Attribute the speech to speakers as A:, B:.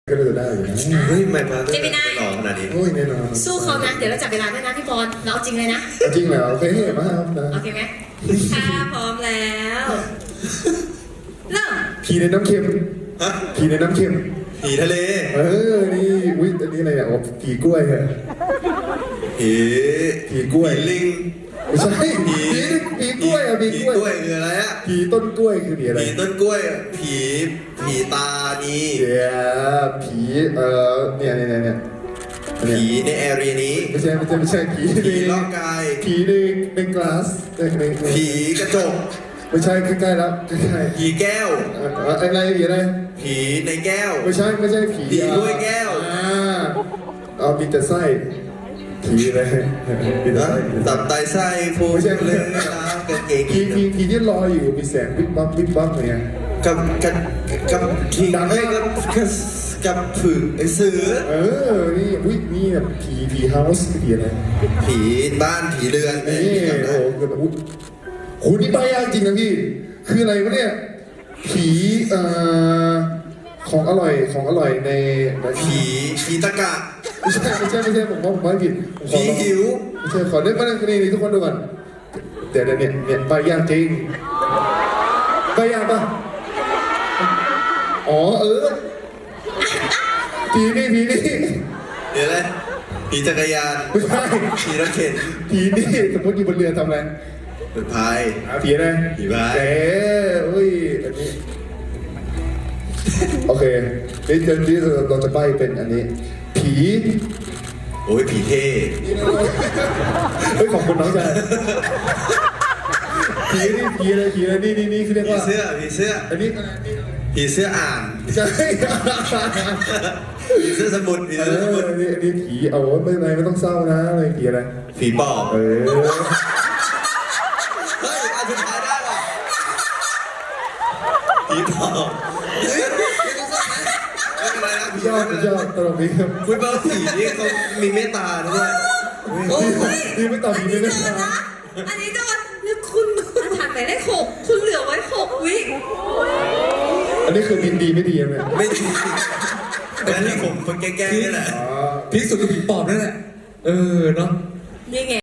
A: ก็น่าจะได้อยู่นะ
B: เฮ้ยไม่มา
C: เจมินาย
B: หล่อขนาดนี้
A: โอ้ยแน่นอน
C: สู้เขานะ เดี๋ยวเราจับเวลาด้วยนะพี่บอลเราเอาจริงเลยนะ
A: จริงเหรอโอเคมาครับนะ
C: โอเคไหมค่ะพร้อมแล้วเริ่ม
A: ผีในน้ำเค็ม
B: ฮะ
A: ผีในน้ำเค็ม
B: ผีทะเล
A: นี่อุ้ยอันนี้อะไรเนี่ยอ๋อผีกล้วยเหรอ
B: ผี
A: ผีกล้วย
B: ผีลิง
A: ไม่ใช่ผีกล้วยอ่ะผี
B: ผี
A: กล้วย
B: กล้วยคืออะไรอะ
A: ผีต้นกล้วยคือผีอะไร
B: ผีต้นกล้วยอะผีตานี
A: เดี๋ยวผีเนี่ย
B: ผีในแอเรียนี้
A: ไม่ใช่ผี
B: ผีล่องกาย
A: ผีในกลาสใน
B: ผีกระจก
A: ไม่ใช่ใกล้ๆแล้วใกล้
B: ผีแก้ว
A: ๆอะไรผีอะไร
B: ผีในแก้ว
A: ไม่ใช่ผี
B: ผีด้วยแก้ว
A: เอามีแต่ไส้ผีอะไรมีแต่
B: นะ
A: ไส้
B: ตับไตไส้ฟูเลยนะกางเกง
A: ผีที่ลอยอยู่มีแสงวิบวับเนี่ย
B: กับผีกับผืนไอเสือ
A: นี่วินี่แบบผีเฮาส์ผีอะไร
B: ผีบ้านผีเรือน
A: นี่
B: จำได้
A: โอ้โหเกิดอุ้ยโหนี่ใบยากจริงนะพี่คืออะไรวะเนี่ยผีของอร่อยใน
B: ผีตะกะ
A: ไม่ใช่ผมว่าผิด
B: ผีหิว
A: ไม่ใช่ขอเล่นมาเล่นนี่ทุกคนดูก่อนเดี๋ยวเนี่ยใบยากจริงใบยากปะอ๋อผีนี่
B: เดี๋ยวอะไรผีจักรยาน
A: ไม่ใช่
B: ผีรถเข็น
A: ผีนี่สมมติอยู่บนเรือทำอะไร
B: เปิดพาย
A: ผีอะไร
B: ผีพาย
A: อุ้ยอันนี้โอเคนี่เราจะใบเป็นอันนี้ผี
B: โอ้ยผีเท่
A: เฮ้ยของคุณน้องชายผีอะไรนี่คือเรียก
B: ผี
A: ว่า
B: เสื้อ
A: อันนี้
B: ผีเสื้ออ่าน
A: ใช่
B: ผีเสื้อสมุดผีเสื้อสมุด
A: อันนี้ผีเอาไม่เป็นไรไม่ต้องเศร้านะอะไรผีอะไร
B: ผีปอบ
A: เออ
B: เฮ้ยอันสุดท้ายได้ป่ะผีปอบเฮ้ยไม่ต้องสั่งนะไม่เป็นไรนะผี
A: ยอดตลกดีครับ
B: คุณบอกผีนี่เขามีเมตตาด้วย
C: โอ้ย
A: นี่ไม่ตอบผีไม่ได้
C: โดนนะ อันนี้โดนแล้วคุณผ่านไปได้6คุณเหลือไว้6 วิ
A: อันนี้คือดีไม่ดีไหม
B: ไม่จริงแต่ที่ผมคนแก้ๆนี่แหละ
A: อ๋อ
D: พีคสุดคือผีปอบนั่นแหละ เนาะ
C: นี่ไง